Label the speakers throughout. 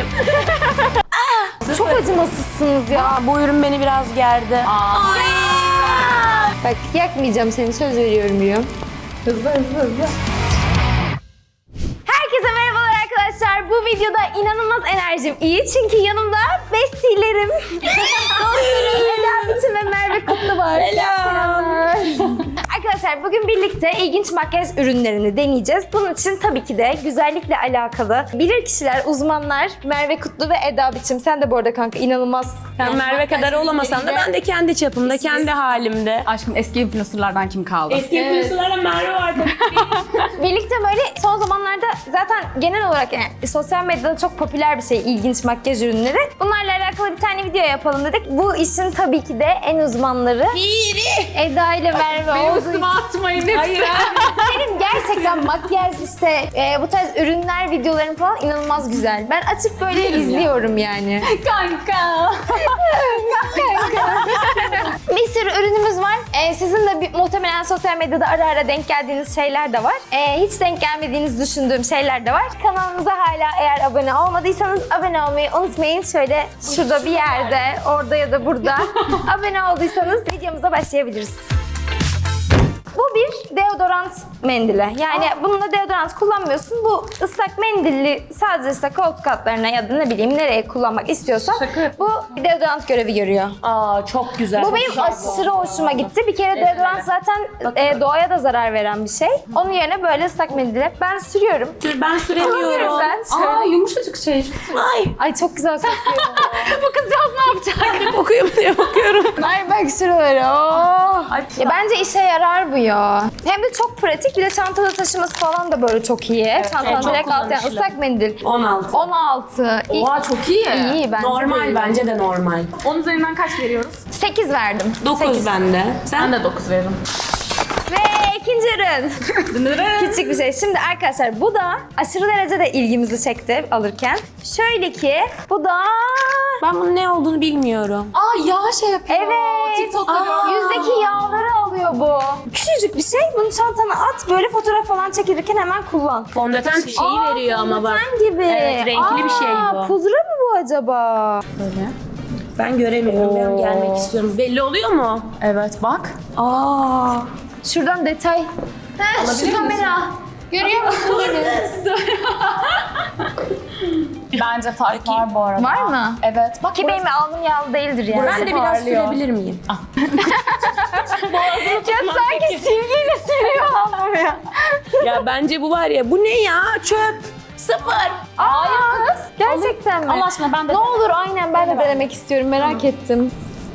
Speaker 1: Çok acımasızsınız ya.
Speaker 2: Bu ürün beni biraz gerdi.
Speaker 1: Bak yakmayacağım seni, söz veriyorum diyor.
Speaker 3: Hızlı.
Speaker 1: Herkese merhabalar arkadaşlar. Bu videoda inanılmaz enerjim iyi çünkü yanımda bestilerim, dostlarım Eda Biçim ve Merve Kutlu var. Selamlar. Arkadaşlar bugün birlikte ilginç makyaj ürünlerini deneyeceğiz. Bunun için tabii ki de güzellikle alakalı bilirkişiler, uzmanlar Merve Kutlu ve Eda Biçim. Sen de bu arada kanka inanılmaz.
Speaker 2: Ben Merve kadar olamasan da ben de kendi çapımda, kendi halimde.
Speaker 3: Aşkım eski influencerlardan kim kaldı?
Speaker 2: Eski influencerlarla Merve var tabii ki.
Speaker 1: Birlikte böyle son zamanlarda zaten genel olarak yani sosyal medyada çok popüler bir şey ilginç makyaj ürünleri. Bunlarla alakalı bir tane video yapalım dedik. Bu işin tabii ki de en uzmanları Eda ile Merve olduğu için.
Speaker 3: Atmayın hepsi.
Speaker 2: Hayır.
Speaker 1: Benim gerçekten makyaj işte bu tarz ürünler videolarım falan inanılmaz güzel. Ben açıp böyle
Speaker 3: Bilirim ya.
Speaker 1: izliyorum yani.
Speaker 3: Kanka.
Speaker 1: Bir sürü ürünümüz var. Sizin de muhtemelen sosyal medyada ara ara denk geldiğiniz şeyler de var. Hiç denk gelmediğinizi düşündüğüm şeyler de var. Kanalımıza hala eğer abone olmadıysanız abone olmayı unutmayın. Şöyle şurada bir yerde, orada ya da burada abone olduysanız videomuza başlayabiliriz. Bu bir deodorant mendili. Yani bununla deodorant kullanmıyorsun. Bu ıslak mendilli sadece işte koltuk altlarına ya da ne bileyim nereye kullanmak istiyorsan bu deodorant görevi görüyor.
Speaker 2: Aa çok güzel.
Speaker 1: Bu benim aşırı hoşuma gitti. Bir kere deodorant zaten doğaya da zarar veren bir şey. Onun yerine böyle ıslak mendili ben sürüyorum.
Speaker 2: Ben süremiyorum.
Speaker 1: Ben şöyle.
Speaker 3: Aa yumuşacık şey.
Speaker 1: Ay çok güzel kokuyor.
Speaker 3: Bu kızcağız ne yapacak?
Speaker 2: Okuyorum diye bakıyorum.
Speaker 1: Ay bak şuraları. Oh.
Speaker 2: Ay,
Speaker 1: Ya bence işe yarar bu ya. Hem de çok pratik. Bir de çantada taşıması falan da böyle çok iyi. Çantanın
Speaker 2: çok
Speaker 1: direkt altı yani
Speaker 2: kullanışlı.
Speaker 1: ıslak mendil.
Speaker 2: 16.
Speaker 1: 16.
Speaker 3: Oha çok iyi.
Speaker 1: İyi bence.
Speaker 2: Normal bence de normal.
Speaker 3: 10 üzerinden kaç veriyoruz?
Speaker 1: 8 verdim.
Speaker 2: 9
Speaker 1: 8.
Speaker 2: bende. Sen
Speaker 3: Ben de 9 veririm.
Speaker 1: Ve ikinci ürün. Küçük bir şey. Şimdi arkadaşlar bu da aşırı derecede ilgimizi çekti alırken. Şöyle ki bu da...
Speaker 2: Ben bunun ne olduğunu bilmiyorum.
Speaker 3: Aa yağ şey yapıyor.
Speaker 1: Evet.
Speaker 3: TikTok'ta gördüm.
Speaker 1: Yüzdeki yağları alıyor bu. Küçücük bir şey. Bunu çantana at. Böyle fotoğraf falan çekilirken hemen kullan.
Speaker 2: Fondöten şeyi veriyor ama bak.
Speaker 1: Fondöten gibi.
Speaker 2: Evet, renkli bir şey bu.
Speaker 1: Pudra mı bu acaba?
Speaker 3: Böyle.
Speaker 2: Ben göremiyorum. Ben gelmek istiyorum. Belli oluyor mu?
Speaker 3: Evet bak.
Speaker 2: Aa.
Speaker 1: Şuradan detay. Şu kamera. Görüyor musun beni?
Speaker 3: Bence fark var bu arada.
Speaker 1: Var mı?
Speaker 3: Evet. Bak
Speaker 1: Ki benim alnım yağlı değildir yani.
Speaker 2: Ben de biraz
Speaker 3: parlıyor.
Speaker 2: sürebilir miyim?
Speaker 1: Ya sanki silgiyle siliyor alnım ya.
Speaker 2: Ya bence bu var ya. Bu ne ya? Çöp. Sıfır.
Speaker 1: Hayır kız. Gerçekten mi?
Speaker 3: Allah aşkına ben de
Speaker 1: Ne olur aynen ben de denemek istiyorum. Merak ettim.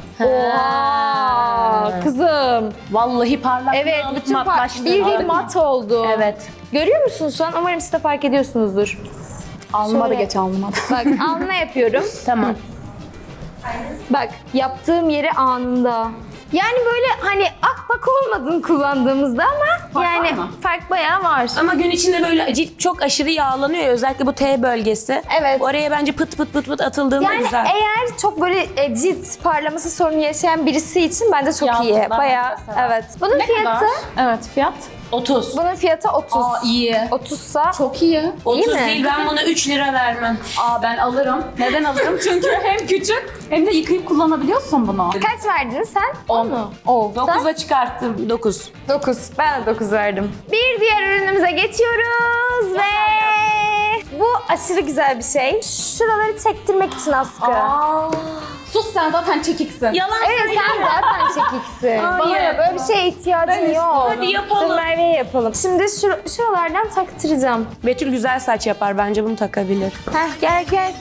Speaker 1: Oha kızım.
Speaker 2: Vallahi parlak.
Speaker 1: Evet bütün
Speaker 2: matlaştı.
Speaker 1: bildiğin mat oldu.
Speaker 2: Evet.
Speaker 1: Görüyor musunuz şu an? Umarım siz de fark ediyorsunuzdur.
Speaker 3: alnıma da
Speaker 1: Şöyle.
Speaker 3: geç alnıma da.
Speaker 1: Bak alnına yapıyorum.
Speaker 2: Tamam.
Speaker 1: Bak yaptığım yeri anında. Yani böyle hani akbak olmadın kullandığımızda ama
Speaker 3: Fark
Speaker 1: yani
Speaker 3: var mı?
Speaker 1: fark bayağı var.
Speaker 2: Ama gün içinde böyle cilt çok aşırı yağlanıyor ya, özellikle bu T bölgesi.
Speaker 1: Evet.
Speaker 2: Oraya bence pıt pıt pıt pıt atıldığında
Speaker 1: Yani
Speaker 2: güzel.
Speaker 1: eğer çok böyle cilt parlaması sorunu yaşayan birisi için bence çok iyi.
Speaker 3: Yağlılar
Speaker 1: Bayağı
Speaker 3: mesela.
Speaker 1: evet. Bunun
Speaker 3: Ne
Speaker 1: fiyatı
Speaker 3: kadar? Evet fiyat.
Speaker 2: 30.
Speaker 1: bunun fiyatı 30.
Speaker 3: Aa iyi.
Speaker 1: 30'sa
Speaker 3: Çok iyi.
Speaker 2: 30
Speaker 1: mi?
Speaker 2: değil, ben buna 3 lira vermem.
Speaker 3: Aa ben alırım. Neden alırım? Çünkü hem küçük hem de yıkayıp kullanabiliyorsun bunu.
Speaker 1: kaç verdin sen?
Speaker 3: 10
Speaker 1: mu? 10.
Speaker 2: 9'a çıkarttım. 9.
Speaker 1: 9. Ben de 9 verdim. Bir diğer ürünümüze geçiyoruz ve bu aşırı güzel bir şey. Şuraları çektirmek için askı.
Speaker 3: Sus sen zaten çekiksin.
Speaker 2: Yalan
Speaker 1: Evet sen zaten çekiksin. Bana
Speaker 2: Hayır.
Speaker 1: ya böyle bir şeye ihtiyacın yok.
Speaker 2: Hadi yapalım.
Speaker 1: Dur Merve'ye yapalım. Şimdi şuralardan taktıracağım.
Speaker 2: Betül güzel saç yapar, bence bunu takabilir.
Speaker 1: Heh gel gel.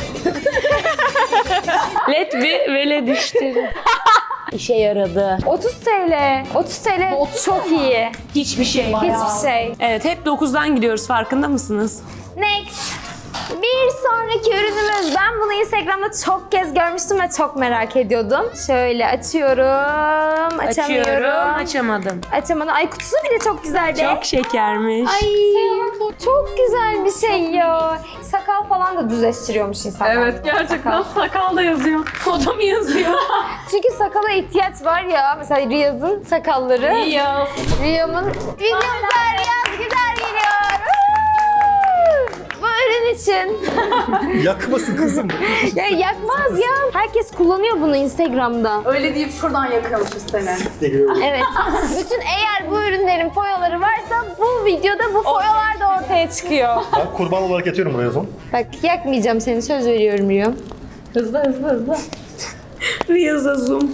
Speaker 2: Let bir vele düştü. İşe yaradı.
Speaker 1: 30 TL. 30 TL çok iyi.
Speaker 2: Hiçbir şey.
Speaker 1: Hiçbir şey.
Speaker 2: Evet, hep 9'dan gidiyoruz, farkında mısınız?
Speaker 1: Next. Bir sonraki ürünümüz. Ben bunu Instagram'da çok kez görmüştüm ve çok merak ediyordum. Şöyle açıyorum. Açamıyorum.
Speaker 2: Açıyorum, açamadım.
Speaker 1: Açamadım. Ay kutusu bile çok güzeldi.
Speaker 2: Çok şekermiş.
Speaker 1: Ay çok güzel bir şey ya. Sakal falan da düzleştiriyormuş insanlar.
Speaker 3: Evet gerçekten sakal da yazıyor.
Speaker 2: Koda mı yazıyor?
Speaker 1: Çünkü sakala ihtiyaç var ya. Mesela Riyaz'ın sakalları.
Speaker 3: Yaz.
Speaker 1: Riyam'ın videomuza Riyaz güzel geliyor. Bu ürün için için.
Speaker 4: Yakmasın kızım.
Speaker 1: Ya yakmaz ya. Herkes kullanıyor bunu Instagram'da.
Speaker 3: Öyle deyip şuradan yakıyormuşuz seni.
Speaker 1: Evet. Bütün eğer bu ürünlerin foyaları varsa bu videoda bu foyalar da ortaya çıkıyor.
Speaker 4: Ben kurban olarak yatıyorum buraya o zaman.
Speaker 1: Bak yakmayacağım seni, söz veriyorum Rio.
Speaker 3: Hızlı.
Speaker 2: Reels'a zoom.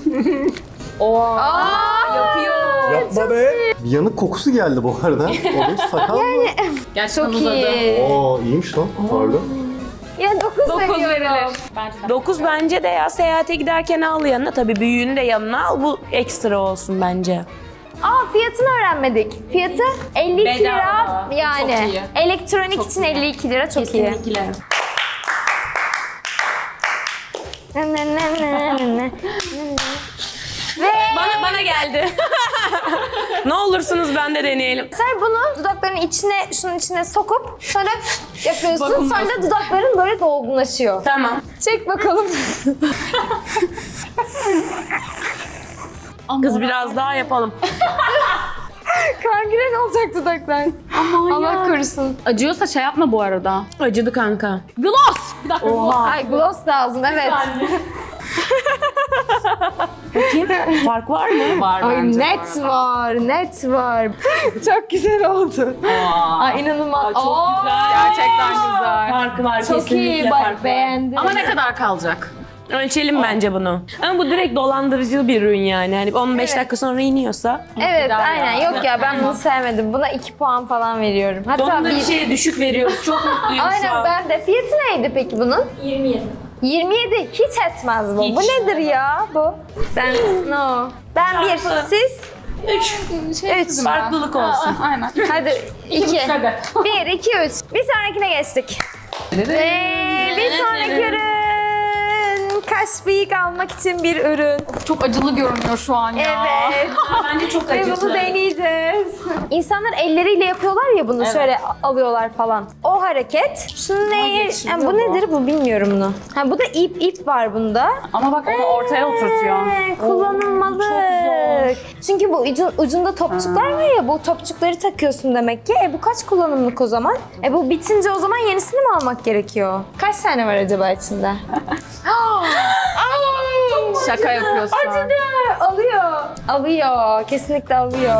Speaker 3: Yapıyor.
Speaker 4: Yapma be. Bir yanık kokusu geldi bu arada. O bir sakal mı?
Speaker 3: Gerçekten
Speaker 1: Çok
Speaker 3: uzadı.
Speaker 1: iyi.
Speaker 4: Oo iyiymiş lan. Pardon.
Speaker 1: Ya 9 veriyorum.
Speaker 3: verilir. Bence de.
Speaker 2: 9 bence de ya, seyahate giderken al yanına. Tabii büyüğünü de yanına al, bu ekstra olsun bence.
Speaker 1: Aa, fiyatını öğrenmedik. Fiyatı 52 lira
Speaker 3: Bedava.
Speaker 1: yani.
Speaker 3: Çok iyi.
Speaker 1: Elektronik için 52 lira çok iyi.
Speaker 2: Kesinlikle.
Speaker 1: Ve
Speaker 2: Bana geldi. Ne olursunuz ben de deneyelim.
Speaker 1: sen bunu dudakların içine, şunun içine sokup sonra yapıyorsun. Sonra da dudakların böyle dolgunlaşıyor.
Speaker 2: Tamam.
Speaker 1: Çek bakalım.
Speaker 2: Kız biraz daha yapalım.
Speaker 1: Kangren olacak dudaklar. Allah korusun.
Speaker 3: Acıyorsa şey yapma bu arada.
Speaker 2: Acıdı kanka.
Speaker 3: Gloss! Bir dakika.
Speaker 1: Ay gloss lazım, evet.
Speaker 2: Bakayım. Fark var mı?
Speaker 3: Var
Speaker 1: Ay
Speaker 3: bence.
Speaker 1: net var, net var. Çok güzel oldu. Ay inanılmaz.
Speaker 2: çok güzel.
Speaker 3: Gerçekten güzel.
Speaker 2: Farkı var,
Speaker 1: Çok
Speaker 2: kesinlikle
Speaker 1: iyi,
Speaker 2: fark
Speaker 1: bak
Speaker 2: var.
Speaker 1: beğendim.
Speaker 3: Ama ne kadar kalacak?
Speaker 2: Ölçelim bence bunu. Ama bu direkt dolandırıcı bir ürün yani. Hani 15
Speaker 1: Evet.
Speaker 2: dakika sonra iniyorsa.
Speaker 1: Evet,
Speaker 3: Güzel
Speaker 1: aynen.
Speaker 3: ya.
Speaker 1: Yok ya, ben bunu sevmedim. Buna 2 puan falan veriyorum. Hatta
Speaker 2: Sonunda bir
Speaker 1: bir...
Speaker 2: şeye düşük veriyoruz. Çok mutluyum şu
Speaker 1: Aynen,
Speaker 2: an.
Speaker 1: ben de. Fiyatı neydi peki bunun? 27 hiç etmez bu.
Speaker 2: Hiç.
Speaker 1: Bu nedir ya bu? Ben no. Ben bir,
Speaker 2: Çarpı.
Speaker 1: siz
Speaker 2: 3.
Speaker 1: 3.
Speaker 2: Farklılık olsun.
Speaker 3: Aynen.
Speaker 1: Hadi 2.
Speaker 3: Hadi.
Speaker 1: 1, 2, 3. Bir sonrakine geçtik. Ve bir sonraki ürün. Kaş bıyık almak için bir ürün.
Speaker 3: Çok acılı görünüyor şu an ya.
Speaker 1: Evet.
Speaker 2: Bence çok
Speaker 1: Ve bunu
Speaker 2: acısı.
Speaker 1: deneyeceğiz. İnsanlar elleriyle yapıyorlar ya bunu,
Speaker 3: Evet.
Speaker 1: şöyle alıyorlar falan. O hareket. Şunu neyi?
Speaker 3: geçiriyor
Speaker 1: bu
Speaker 3: bu.
Speaker 1: nedir bu, bilmiyorum bunu. Ha, bu da ip var bunda.
Speaker 3: Ama bak onu ortaya oturtuyor.
Speaker 1: Kullanılmalı.
Speaker 3: Çok
Speaker 1: Çünkü bu ucunda topçuklar var ya, bu topçukları takıyorsun demek ki. Bu kaç kullanımlık o zaman? Bu bitince o zaman yenisini mi almak gerekiyor? Kaç tane var acaba içinde?
Speaker 3: Şaka yapıyorsun.
Speaker 1: Acıdı. Alıyor. Kesinlikle alıyor.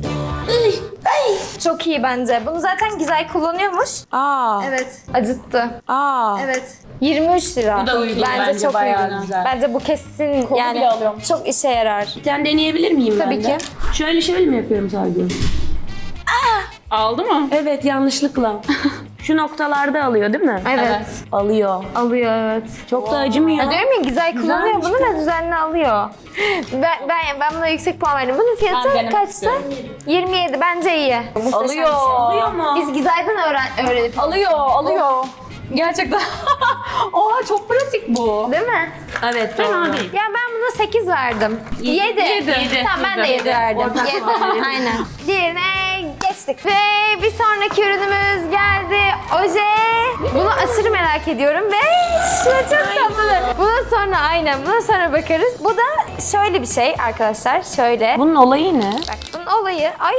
Speaker 1: Çok iyi bence. Bunu zaten Gizay kullanıyormuş.
Speaker 2: Aa.
Speaker 1: Evet. Acıttı.
Speaker 2: Aa.
Speaker 1: Evet. 23 lira.
Speaker 2: Bu da uygun bence,
Speaker 1: çok
Speaker 2: bayağı
Speaker 1: uygun.
Speaker 2: güzel.
Speaker 1: Bence bu kesin
Speaker 3: Kolu
Speaker 1: yani
Speaker 3: bile alıyormuş.
Speaker 1: çok işe yarar.
Speaker 2: Bir tane deneyebilir miyim ben
Speaker 1: Tabii
Speaker 2: de?
Speaker 1: ki.
Speaker 2: Şöyle mi yapıyorum sadece?
Speaker 3: Aldı mı?
Speaker 2: Evet, yanlışlıkla. Şu noktalarda alıyor değil mi?
Speaker 1: Evet.
Speaker 2: Alıyor.
Speaker 1: Alıyor, evet.
Speaker 2: Çok da acımıyor.
Speaker 1: Ya diyorum ya, Gizay kullanıyor
Speaker 2: Güzelmiş
Speaker 1: bunu ve düzenli alıyor. Ben buna yüksek puan verdim. Bunun fiyatı
Speaker 3: Ben denemek
Speaker 1: kaçtı?
Speaker 3: istiyorum.
Speaker 1: 27. Bence iyi. Muhteşem bir şey.
Speaker 2: Alıyor mu?
Speaker 1: Biz Gizay'dan öğrenip
Speaker 3: Alıyor. Gerçekten. Oha çok pratik bu.
Speaker 1: değil mi?
Speaker 2: Evet, doğru.
Speaker 3: değil.
Speaker 1: Ya ben buna 8 verdim. 7.
Speaker 3: Yedi.
Speaker 1: Tamam, ben de 7 verdim.
Speaker 2: Ortak
Speaker 1: 7.
Speaker 2: puan verelim.
Speaker 1: Aynen. Diğerine geçtik. Ve bir sonraki ürünümüz geldi. Oje. Bunu aşırı merak ediyorum ve şu çok tatlı. Buna sonra bakarız. Bu da şöyle bir şey arkadaşlar. Şöyle.
Speaker 2: Bunun olayı ne?
Speaker 1: Bak bunun olayı. Ay.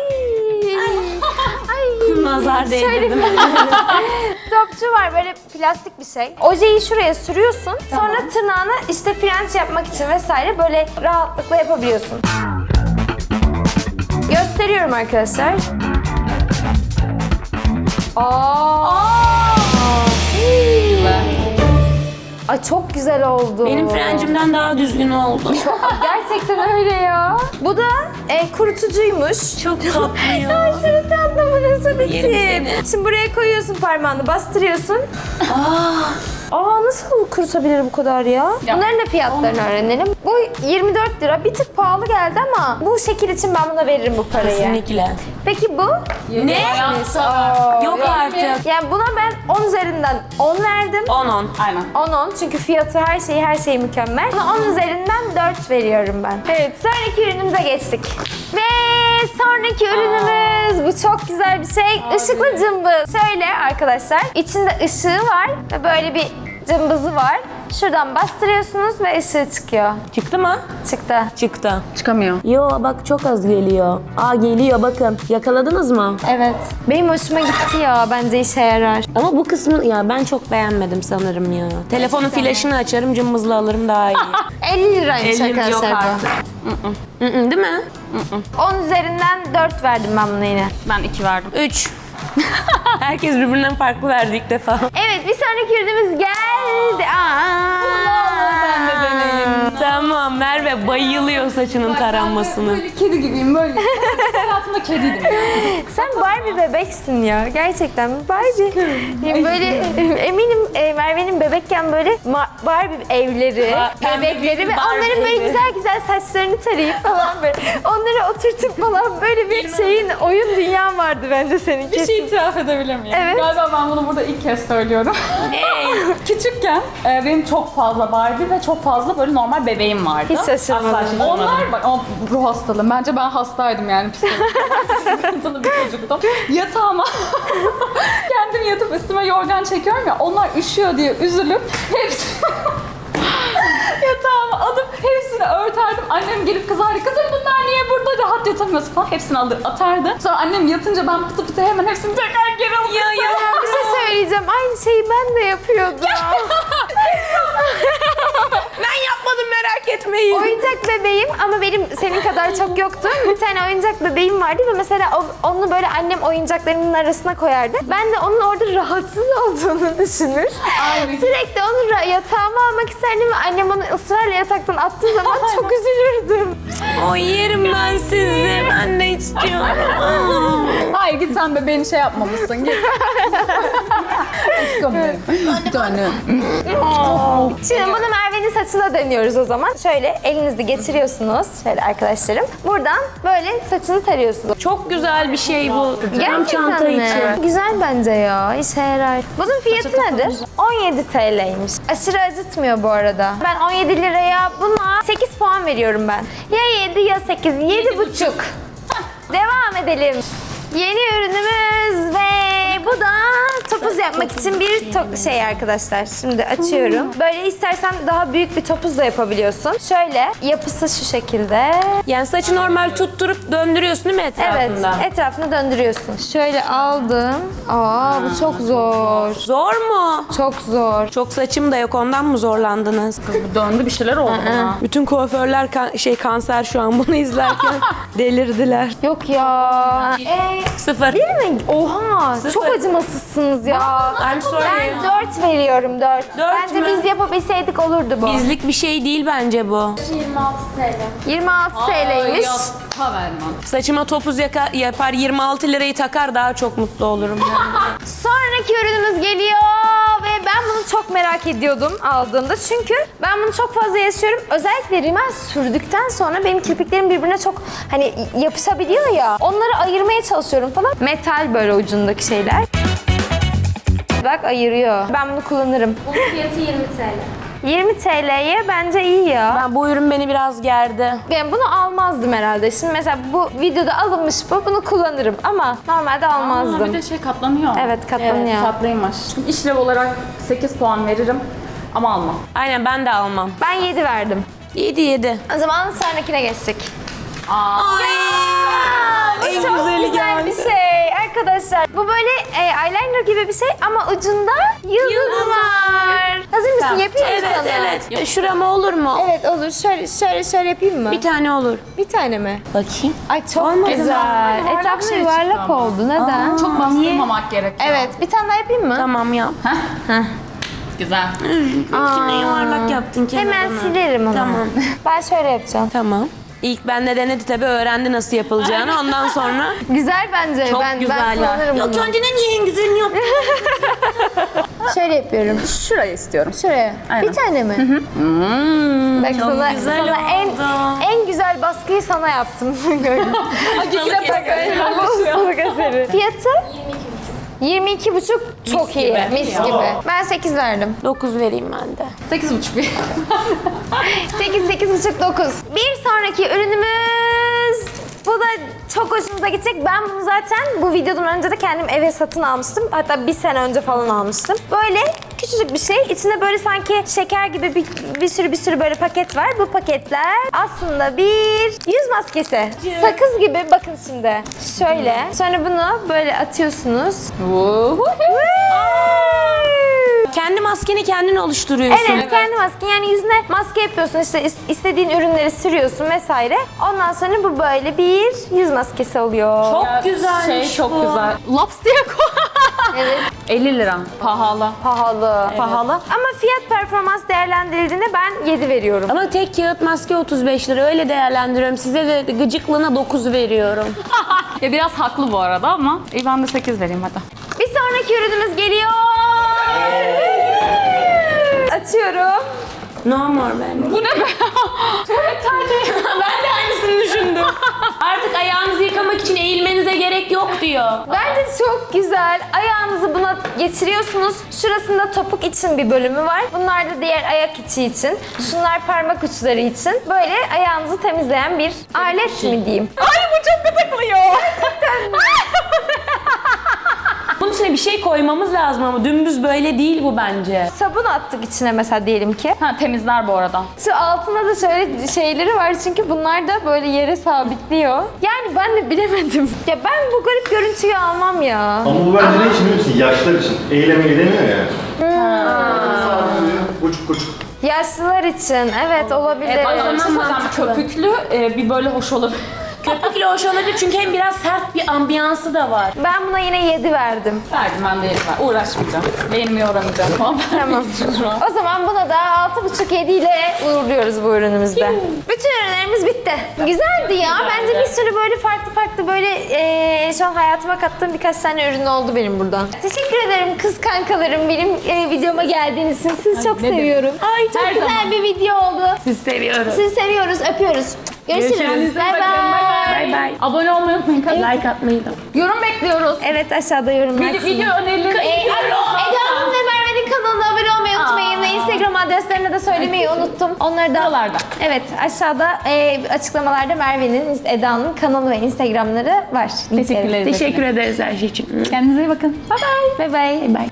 Speaker 2: Nazar
Speaker 1: Şöyle
Speaker 2: değdirdim.
Speaker 1: bir topçu var, böyle plastik bir şey. Ojeyi şuraya sürüyorsun. Sonra tırnağını işte frenç yapmak için vesaire böyle rahatlıkla yapabiliyorsun. Gösteriyorum arkadaşlar. Ay çok güzel oldu.
Speaker 2: Benim frencimden daha düzgün oldu.
Speaker 1: Gerçekten öyle ya. Bu da kurutucuymuş.
Speaker 2: Çok tatlı ya.
Speaker 1: Aşırı tatlı, bu nasıl bir
Speaker 2: Yerim
Speaker 1: tip?
Speaker 2: seni.
Speaker 1: Şimdi buraya koyuyorsun parmağını, bastırıyorsun. Nasıl kurutabilir bu kadar ya? Bunların da fiyatlarını öğrenelim. Bu 24 lira. Bir tık pahalı geldi ama bu şekil için ben buna veririm bu parayı.
Speaker 2: Kesinlikle.
Speaker 1: Peki bu?
Speaker 2: Ne? Yok artık.
Speaker 1: Yani buna ben 10 üzerinden 10 verdim.
Speaker 2: 10-10.
Speaker 3: Aynen.
Speaker 1: 10 çünkü fiyatı her şey mükemmel. Buna 10 üzerinden 4 veriyorum ben. Evet, sonraki ürünümüze geçtik. Ve sonraki ürünümüz bu çok güzel bir şey. Işıklı cımbız. Şöyle arkadaşlar, içinde ışığı var ve böyle bir cımbızı var. Şuradan bastırıyorsunuz ve ışığı çıkıyor.
Speaker 2: Çıktı mı?
Speaker 1: Çıktı.
Speaker 2: Çıktı.
Speaker 3: Çıkamıyor.
Speaker 2: Yo bak çok az geliyor. Aa geliyor bakın. Yakaladınız mı?
Speaker 1: Evet. Benim hoşuma gitti ya. Bence işe yarar.
Speaker 2: Ama bu kısmı ya ben çok beğenmedim sanırım ya. Telefonun flaşını açarım cımbızla alırım daha iyi.
Speaker 1: 50 liraymış
Speaker 2: Elim yok
Speaker 1: arkadaşlar
Speaker 2: artık.
Speaker 1: bu.
Speaker 2: Değil mi?
Speaker 1: 10 üzerinden 4 verdim ben buna yine.
Speaker 3: Ben 2 verdim.
Speaker 2: 3. Herkes birbirinden farklı verdi ilk defa.
Speaker 1: Evet, bir sonraki ürünümüz geldi.
Speaker 3: Ben de deneyim.
Speaker 2: Tamam Merve bayılıyor saçının taranmasını.
Speaker 3: Böyle kedi gibiyim böyle. Hayatımda kediydim.
Speaker 1: Sen Barbie bebeksin ya. Gerçekten Barbie. Böyle eminim Merve'nin bebekken böyle Barbie evleri,
Speaker 2: Pembe
Speaker 1: bebekleri
Speaker 2: bir
Speaker 1: ve
Speaker 2: Barbie
Speaker 1: onların böyle
Speaker 2: evi.
Speaker 1: güzel güzel saçlarını tarayıp falan böyle. Onları oturtup falan böyle bir şeyin oyun dünyan vardı bence senin
Speaker 3: Bir
Speaker 1: kesin.
Speaker 3: şey itiraf edebilir miyim?
Speaker 1: Evet.
Speaker 3: Galiba ben bunu burada ilk kez söylüyorum. Küçükken benim çok fazla Barbie ve çok fazla böyle normal bebeğim vardı.
Speaker 1: Hiç şaşırmadım.
Speaker 3: Asla şaşırmadım. Onlar bak o ruh hastalığım. Bence ben hastaydım yani psikolojik sıkıntılı bir çocuktum. Yatağıma kendim yatıp üstüme yorgan çekiyorum ya onlar üşüyor diye üzülüp hepsi yatağıma alıp hepsini örterdim. Annem gelip kızardı. Kızım bunlar niye burada rahat yatamıyorsun falan. Hepsini alır atardı. Sonra annem yatınca ben pıtı pıtı hemen hepsini tekrar geri alıp
Speaker 1: Bir şey söyleyeceğim. Aynı şeyi ben de yapıyordum.
Speaker 2: Ben yapmadım merak etmeyin.
Speaker 1: Oyuncak bebeğim ama benim senin kadar çok yoktu. Bir tane oyuncak bebeğim vardı ve mesela onu böyle annem oyuncaklarının arasına koyardı. Ben de onun orada rahatsız olduğunu düşünür.
Speaker 3: Aynen.
Speaker 1: Sürekli onu yatağıma almak isterdim ve annem onu ısrarla yataktan attığı zaman çok üzülürdüm.
Speaker 2: O yerim ben sizi. Ben de istiyorum.
Speaker 3: Hayır git sen bebeğini şey yapmamışsın. Git. Aşkım benim. Bir tane.
Speaker 1: Şimdi bunu Merve'nin saçına deniyoruz o zaman. Şöyle elinizi getiriyorsunuz. Şöyle arkadaşlarım. Buradan böyle saçını tarıyorsunuz.
Speaker 2: Çok güzel bir şey bu. Tam
Speaker 1: Gerçekten
Speaker 2: çanta
Speaker 1: mi?
Speaker 2: için.
Speaker 1: Güzel bence ya. İşe yarar. Bunun fiyatı nedir? 17 TL'ymiş. Aşırı acıtmıyor bu arada. Ben 17 liraya buna 8 puan veriyorum ben. Ya 7 ya 8. 7,5. Devam edelim. Yeni ürünümüz ve bu da topuz yapmak için bir şey arkadaşlar. Şimdi açıyorum. Böyle istersen daha büyük bir topuz da yapabiliyorsun. Şöyle yapısı şu şekilde.
Speaker 2: Yani saçı normal tutturup döndürüyorsun değil mi etrafında?
Speaker 1: Evet, etrafını döndürüyorsun. Şöyle aldım. Aa, bu çok zor.
Speaker 2: Zor mu?
Speaker 1: Çok zor.
Speaker 2: Çok saçım da yok ondan mı zorlandınız?
Speaker 3: Döndü bir şeyler oldu buna.
Speaker 2: Bütün kuaförler kanser şu an bunu izlerken delirdiler.
Speaker 1: Yok ya.
Speaker 2: 0.
Speaker 1: Değil mi? Oha, çok acımasızsınız ya.
Speaker 2: I'm sorry.
Speaker 1: Ben 4 veriyorum, 4. Bence
Speaker 2: mü?
Speaker 1: biz yapabilseydik olurdu bu.
Speaker 2: Bizlik bir şey değil bence bu.
Speaker 1: 26 TL'ymiş.
Speaker 3: Ha vermem.
Speaker 2: Saçıma topuz yapar 26 lirayı takar daha çok mutlu olurum.
Speaker 1: Sonraki ürünümüz geliyor ve ben bunu çok merak ediyordum aldığımda. Çünkü ben bunu çok fazla yaşıyorum. Özellikle rimel sürdükten sonra benim kirpiklerim birbirine çok hani yapışabiliyor ya. Onları ayırmaya çalışıyorum falan. Metal böyle ucundaki şeyler. Bak ayırıyor. Ben bunu kullanırım.
Speaker 5: Bunun fiyatı 20 TL.
Speaker 1: 20 TL'ye bence iyi ya.
Speaker 2: Ben bu ürün beni biraz gerdi.
Speaker 1: Ben bunu almazdım herhalde. Şimdi mesela bu videoda alınmış bu. Bunu kullanırım ama normalde almazdım.
Speaker 3: Bir de şey katlanıyor.
Speaker 1: Evet katlanıyor.
Speaker 3: Tatlıymış. Şimdi işlev olarak 8 puan veririm ama almam.
Speaker 2: Aynen ben de almam.
Speaker 1: Ben 7 verdim.
Speaker 2: 7.
Speaker 1: O zaman sonrakine geçtik.
Speaker 2: En
Speaker 1: Çok
Speaker 2: güzeli
Speaker 1: güzel
Speaker 2: geldi.
Speaker 1: bir şey arkadaşlar. Bu böyle eyeliner gibi bir şey ama ucunda yıldız var. Hazır mısın? Yapayım mı
Speaker 2: Evet
Speaker 1: sana?
Speaker 2: evet. Şurama olur mu?
Speaker 1: Evet olur. Şöyle yapayım mı?
Speaker 2: Bir tane olur.
Speaker 1: Bir tane mi?
Speaker 2: Bakayım.
Speaker 1: Ay çok
Speaker 2: Olmadı.
Speaker 1: güzel.
Speaker 3: Yuvarlak
Speaker 1: Etrafı
Speaker 3: şey
Speaker 1: yuvarlak
Speaker 3: çıktı ama.
Speaker 1: oldu. Neden?
Speaker 3: Çok bastırmamak gerekiyor.
Speaker 1: Evet. Bir tane daha yapayım mı?
Speaker 2: Tamam yap.
Speaker 3: Güzel.
Speaker 2: İçine yuvarlak yaptın kenarına.
Speaker 1: Hemen silerim onu.
Speaker 2: Tamam.
Speaker 1: Ben şöyle yapacağım.
Speaker 2: Tamam. İlk bende denedi tabii öğrendi nasıl yapılacağını. Ondan sonra
Speaker 1: Güzel bence.
Speaker 2: çok
Speaker 1: ben
Speaker 2: güzel
Speaker 1: kullanırım
Speaker 2: ya.
Speaker 1: bunu.
Speaker 2: Kendine niye en güzelini yaptın?
Speaker 1: Şöyle yapıyorum.
Speaker 3: Şurayı istiyorum.
Speaker 1: Şuraya.
Speaker 3: Aynen.
Speaker 1: Bir tane mi? Bak
Speaker 2: çok
Speaker 1: sana,
Speaker 2: güzel
Speaker 1: sana
Speaker 2: oldu.
Speaker 1: en güzel baskıyı sana yaptım.
Speaker 2: Hastalık eseri.
Speaker 1: Hastalık eseri. Fiyatı? 22,5 çok iyi.
Speaker 3: gibi.
Speaker 1: Mis
Speaker 3: Ya.
Speaker 1: gibi. Ben 8 verdim.
Speaker 2: 9 vereyim ben de.
Speaker 3: 8,5 bir.
Speaker 1: 8,5, 9. Bir sonraki ürünümüz... Bu da çok hoşumuza gidecek. Ben bunu zaten bu videodan önce de kendim eve satın almıştım. Hatta bir sene önce falan almıştım. Böyle küçücük bir şey. İçinde böyle sanki şeker gibi bir sürü böyle paket var. Bu paketler aslında bir yüz maskesi. Sakız gibi, bakın şimdi. Şöyle. Sonra bunu böyle atıyorsunuz.
Speaker 2: Kendi maskeni kendin oluşturuyorsun.
Speaker 1: Evet, kendi masken. Yani yüzüne maske yapıyorsun, işte istediğin ürünleri sürüyorsun vesaire. Ondan sonra bu böyle bir yüz maskesi oluyor.
Speaker 2: Çok güzelmiş
Speaker 3: Şey çok
Speaker 2: bu.
Speaker 3: güzel. Laps diye koy.
Speaker 1: Evet.
Speaker 3: 50 lira. Pahalı.
Speaker 1: Pahalı.
Speaker 3: Pahalı.
Speaker 1: Ama fiyat performans değerlendirildiğinde ben 7 veriyorum.
Speaker 2: Ama tek kağıt maske 35 lira, öyle değerlendiriyorum. Size de gıcıklığına 9 veriyorum.
Speaker 3: Ya biraz haklı bu arada ama ben de 8 vereyim hadi.
Speaker 1: Bir sonraki ürünümüz geliyor. Açıyorum.
Speaker 2: Normal bence.
Speaker 3: Bu ne be? Tuvalet tercihi.
Speaker 2: Ben de aynısını düşündüm. Artık ayağınızı yıkamak için eğilmenize gerek yok diyor.
Speaker 1: Bence çok güzel. Ayağınızı buna geçiriyorsunuz. Şurasında topuk için bir bölümü var. Bunlar da diğer ayak içi için. Şunlar parmak uçları için. Böyle ayağınızı temizleyen bir alet mi diyeyim?
Speaker 3: Ay bu çok gıdıklıyor.
Speaker 2: Bunun içine bir şey koymamız lazım ama dümdüz böyle değil bu bence.
Speaker 1: Sabun attık içine mesela diyelim ki.
Speaker 3: Ha temizler bu arada.
Speaker 1: Şu altında da şöyle şeyleri var çünkü bunlar da böyle yere sabitliyor. Yani ben de bilemedim. Ya ben bu garip görüntüyü almam ya.
Speaker 4: Ama bu bence ne için biliyor musun? Yaşlar için. Eyleme gidemiyor ya. Buçuk buçuk.
Speaker 1: Yaşlılar için evet olabilir.
Speaker 3: Ay,
Speaker 2: zaman
Speaker 3: bir şey söyleyeceğim.
Speaker 2: mantıklı.
Speaker 3: Köpüklü bir böyle hoş olabilir.
Speaker 2: Köpükle hoş olabilir çünkü hem biraz sert bir ambiyansı da var.
Speaker 1: Ben buna yine 7 verdim.
Speaker 3: Verdim ben de yerim. Uğraşmayacağım. Beynimi yoramayacağım.
Speaker 1: Tamam. O zaman buna da 6,5-7 ile uğurluyoruz bu ürünümüzde. Bütün ürünlerimiz bitti. Güzeldi ya. Bence bir sürü böyle farklı böyle şu an hayatıma kattığım birkaç tane ürün oldu benim buradan. Teşekkür ederim kız kankalarım benim videoma geldiğiniz için. Sizi çok seviyorum. Ay çok
Speaker 3: Her
Speaker 1: güzel
Speaker 3: zaman.
Speaker 1: bir video oldu.
Speaker 2: Siz seviyoruz.
Speaker 1: Sizi seviyoruz, öpüyoruz. Görüşürüz.
Speaker 3: Kendinize
Speaker 1: Bay
Speaker 3: bakın.
Speaker 1: bay.
Speaker 2: Bay bay.
Speaker 3: Abone olmayı unutmayın.
Speaker 2: Like atmayı da.
Speaker 3: Yorum bekliyoruz.
Speaker 1: Evet aşağıda yorumlar.
Speaker 3: Video önerileri.
Speaker 1: Eda Hanım ve Merve'nin kanalına abone olmayı unutmayın ve Instagram adreslerini de söylemeyi unuttum. Onları da
Speaker 3: Buralarda.
Speaker 1: Evet aşağıda açıklamalarda Merve'nin, Eda'nın kanalı ve Instagramları var.
Speaker 3: Teşekkür ederiz.
Speaker 2: Teşekkür ederiz her şey için.
Speaker 3: Kendinize iyi bakın. Bye bye.
Speaker 1: Bye bye.
Speaker 2: Bye.